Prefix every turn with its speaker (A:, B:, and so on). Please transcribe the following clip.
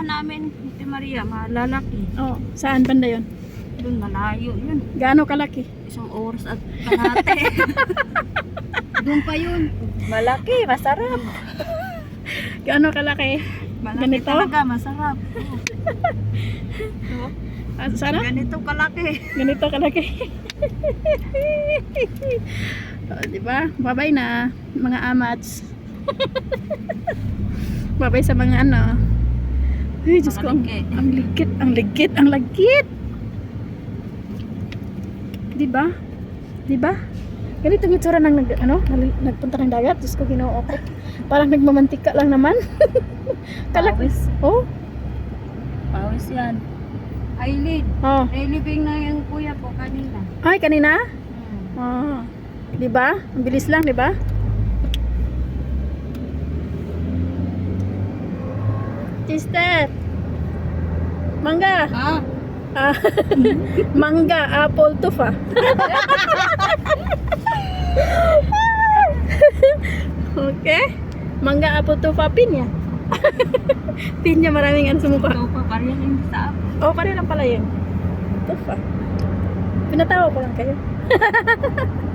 A: pupuntahan namin, Ate Maria, malalaki.
B: Oh, saan banda yun?
A: Doon, malayo yun.
B: Gaano kalaki?
A: 1 oras at kalahati. Doon pa yun. Malaki, masarap.
B: Gaano kalaki?
A: Malaki
B: Ganito?
A: talaga, masarap. Oo.
B: Sana?
A: Ganito kalaki.
B: Ganito kalaki. Oh, diba? Babay na, mga amats. Babay sa mga ano. Ay, Diyos ko, ang ligit, ang ligit, ang ligit. Diba? Diba? Ganito yung itsura ng nagpunta ng dagat. Diyos ko, ginoo ko. Parang nagmamantika lang naman.
A: Pawis.
B: Oh?
A: Pawis yan. Eyelid.
B: Oh.
A: Reliving na yung kuya ko kanina.
B: Ay, kanina? Oh. Diba? Ang bilis lang, diba? Sister. Mangga.
A: Ah,
B: Ah, mangga, apple, tufa. Okay. Mangga, apple, tufa, pinya. Pinya, maraming ano sa mukha.
A: ito pa pa rin yung sa ako.
B: Oh, pareho lang pala yun. Tufa. Pinatawa ko lang kayo.